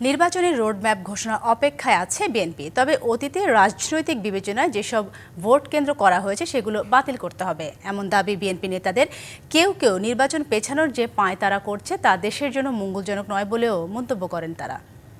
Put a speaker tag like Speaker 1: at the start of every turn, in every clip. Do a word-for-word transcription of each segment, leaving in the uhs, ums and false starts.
Speaker 1: নির্বাচনের রোডম্যাপ ঘোষণার অপেক্ষায় আছে বিএনপি। তবে অতীতে রাজনৈতিক বিবেচনায় যেসব ভোট কেন্দ্র করা হয়েছে সেগুলো বাতিল করতে হবে, এমন দাবি বিএনপি নেতাদের। কেউ কেউ নির্বাচন পেছানোর যে পাঁয়তারা করছে তা দেশের জন্য মঙ্গলজনক নয় বলেও মন্তব্য করেন তারা।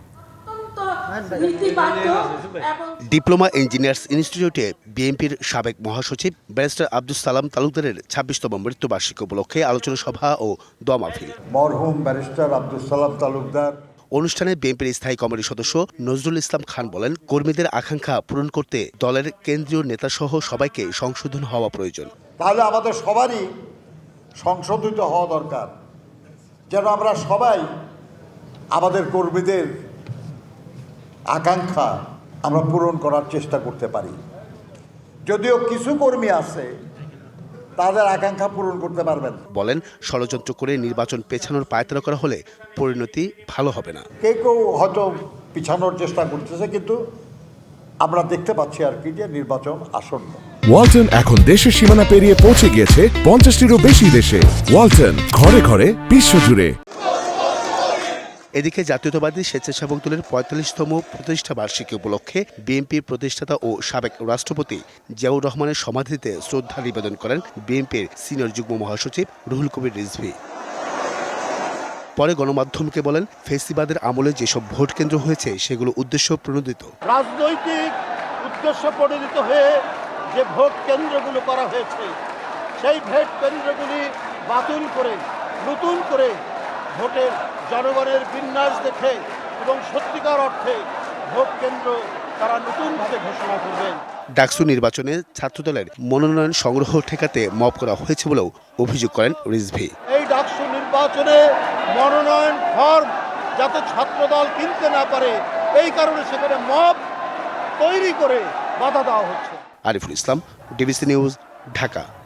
Speaker 2: ডিপ্লোমা ইঞ্জিনিয়ার্স ইনস্টিটিউটে বিএনপির সাবেক মহাসচিব ব্যারিস্টার আব্দুস সালাম তালুকদারের ছাব্বিশতম মৃত্যুবার্ষিকী উপলক্ষে আলোচনা সভা ও দোয়া মাহফিল।
Speaker 3: মরহুম ব্যারিস্টার আব্দুস সালাম তালুকদার
Speaker 2: অনুষ্ঠানে বিএনপির স্থায়ী কমিটির সদস্য নজরুল ইসলাম খান বলেন, কর্মীদের আকাঙ্ক্ষা পূরণ করতে দলের কেন্দ্রীয় নেতাসহ সবাইকে সংশোধন হওয়া প্রয়োজন।
Speaker 3: তাহলে আমাদের সবারই সংশোধিত হওয়া দরকার, যেন আমরা সবাই আমাদের কর্মীদের আকাঙ্ক্ষা আমরা পূরণ করার চেষ্টা করতে পারি। যদিও কিছু কর্মী আছে তাদের আকাঙ্ক্ষা পূরণ করতে পারবেন।
Speaker 2: বলেন, ষড়যন্ত্র করে নির্বাচন পেছানোর পায়তারা করা হলে পরিণতি ভালো হবে না।
Speaker 3: কেউ কেউ হয়তো পিছানোর চেষ্টা করতেছে, কিন্তু আমরা দেখতে পাচ্ছি আর কি যে নির্বাচন আসন্ন।
Speaker 4: ওয়ালটন এখন দেশের সীমানা পেরিয়ে পৌঁছে গিয়েছে পঞ্চাশটিরও বেশি দেশে। ওয়ালটন, ঘরে ঘরে বিশ্বজুড়ে।
Speaker 2: এদিকে জাতীয়তাবাদী স্বেচ্ছাসেবক দলের পঁয়তাল্লিশতম প্রতিষ্ঠা বার্ষিকী উপলক্ষে বিএনপির প্রতিষ্ঠাতা ও সাবেক রাষ্ট্রপতি জিয়াউর রহমানের সমাধিতে শ্রদ্ধা নিবেদন করেন বিএনপির সিনিয়র যুগ্ম মহাসচিব রুহুল কবির রিজভী। পরে গণমাধ্যমকে বলেন, ফেসিবাদের আমলে যেসব ভোট কেন্দ্র হয়েছে সেগুলো উদ্দেশ্য প্রণোদিত।
Speaker 5: রাজনৈতিক উদ্দেশ্য প্রণোদিত হয়ে যে ভোট কেন্দ্রগুলো করা হয়েছে সেই ভোট কেন্দ্রগুলি বাতিল করে নতুন করে ভোটের জনগণের বিন্যাস দেখে এবং সত্যিকার অর্থে ভোট কেন্দ্র তারা নতুনভাবে ঘোষণা করবেন।
Speaker 2: ডাকসু নির্বাচনে ছাত্রদলের মনোনয়ন সংগ্রহ ঠেকাতে মব করা হয়েছে বলেও অভিযোগ করেন রিজভী।
Speaker 5: এই ডাকসু নির্বাচনে মনোনয়ন ফর্ম যাতে ছাত্রদল কিনতে না পারে এই কারণে সেখানে মব তৈরি করে বাধা দেওয়া হচ্ছে।
Speaker 2: Ariful Islam, DBC news, Dhaka.